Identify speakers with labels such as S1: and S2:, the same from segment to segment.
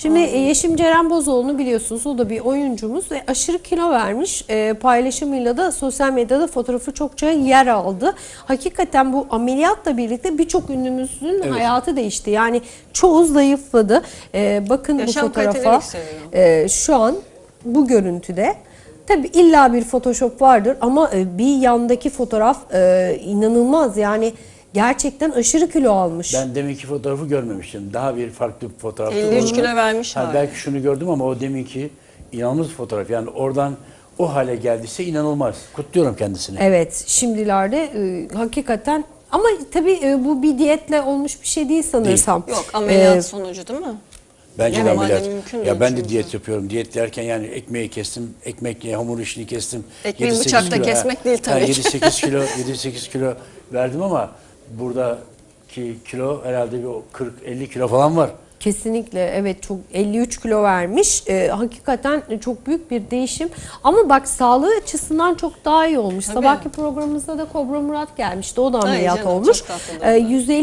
S1: Şimdi Yeşim Ceren Bozoğlu'nu biliyorsunuz, o da bir oyuncumuz ve aşırı kilo vermiş. Paylaşımıyla da sosyal medyada fotoğrafı çokça yer aldı. Hakikaten bu ameliyatla birlikte birçok ünlümüzün hayatı değişti. Yani çoğu zayıfladı. Bakın
S2: Yaşam
S1: bu fotoğrafa.
S2: kaliteleri yükseliyor.
S1: Şu an bu görüntüde. Tabii illa bir Photoshop vardır ama bir yandaki fotoğraf inanılmaz, yani gerçekten aşırı kilo almış.
S3: Ben deminki fotoğrafı görmemiştim. Daha bir farklı bir fotoğraftı.
S2: 53 kilo vermiş hali.
S3: Belki şunu gördüm ama o deminki inanılmaz bir fotoğraf. Yani oradan o hale geldiyse inanılmaz. Kutluyorum kendisini.
S1: Evet, şimdilerde hakikaten, ama tabii bu bir diyetle olmuş bir şey değil sanırsam.
S2: Yok, ameliyat sonucu değil mi?
S3: Bence
S2: Yani
S3: de ameliyat.
S2: normalde mümkün
S3: Ya
S2: değil
S3: ben de
S2: çünkü.
S3: diyet yapıyorum. Diyet derken yani ekmeği kestim, ekmekle hamur işini kestim.
S2: Ekmeği
S3: 7-8
S2: bıçakla
S3: kilo,
S2: kesmek değil tabii ki.
S3: 7-8 kilo, 7-8 kilo verdim ama buradaki kilo herhalde bir 40-50 kilo falan var.
S1: Kesinlikle, evet, çok 53 kilo vermiş. Hakikaten çok büyük bir değişim. Ama bak, sağlığı açısından çok daha iyi olmuş.
S2: Tabii.
S1: Sabahki programımızda da Kobra Murat gelmişti. O da
S2: Ay
S1: ameliyat
S2: canım,
S1: olmuş.
S2: çok tatlı.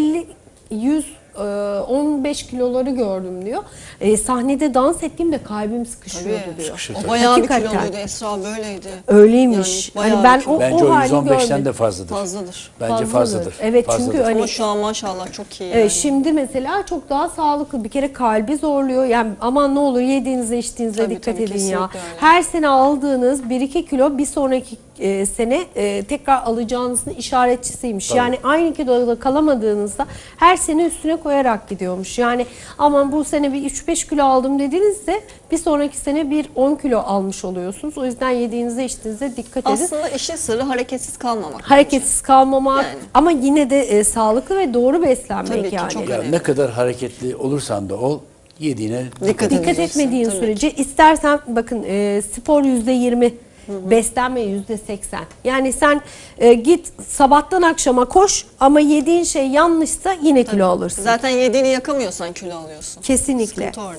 S1: 15 kiloları gördüm diyor. Sahnede dans ettiğimde kalbim sıkışıyordu
S2: Tabii.
S1: diyor.
S3: Sıkışır.
S2: O bayağı bir
S1: Hakikaten.
S2: kiloluydu, Esra böyleydi.
S1: Öyleymiş.
S2: Yani
S1: hani
S2: bayağı
S1: ben
S2: bir kilo.
S3: Bence o
S1: halini
S3: 115'ten
S1: görmedim.
S3: de fazladır.
S2: Fazladır.
S3: Bence fazladır.
S1: Evet, çünkü
S3: Fazladır.
S1: hani
S2: Ama şu an maşallah çok iyi yani.
S1: Şimdi mesela çok daha sağlıklı. Bir kere kalbi zorluyor. Yani aman ne olur yediğinize içtiğinize
S2: Tabii,
S1: dikkat
S2: tabii,
S1: edin ya.
S2: kesinlikle öyle.
S1: Her sene aldığınız 1-2 kilo bir sonraki sene tekrar alacağınızın işaretçisiymiş.
S3: Tabii.
S1: Yani aynı kiloda kalamadığınızda her sene üstüne koyarak gidiyormuş. Yani aman bu sene bir 3-5 kilo aldım dediğinizde bir sonraki sene bir 10 kilo almış oluyorsunuz. O yüzden yediğinize içtiğinize dikkat edin.
S2: Aslında işin sırrı hareketsiz kalmamak.
S1: Hareketsiz kalmamak
S2: Yani.
S1: ama yine de sağlıklı ve doğru beslenmek
S2: Tabii ki,
S1: yani.
S2: çok
S3: Ya
S2: önemli.
S3: ne kadar hareketli olursan da ol, yediğine
S2: Dikkat
S1: Dikkat
S2: edeceksin,
S1: etmediğin
S2: tabii
S1: sürece istersen bakın spor %20, beslenme %80. Yani sen git sabahtan akşama koş ama yediğin şey yanlışsa yine kilo alırsın.
S2: Zaten yediğini yakamıyorsan kilo alıyorsun.
S1: Kesinlikle.
S2: Sıkıntı orada.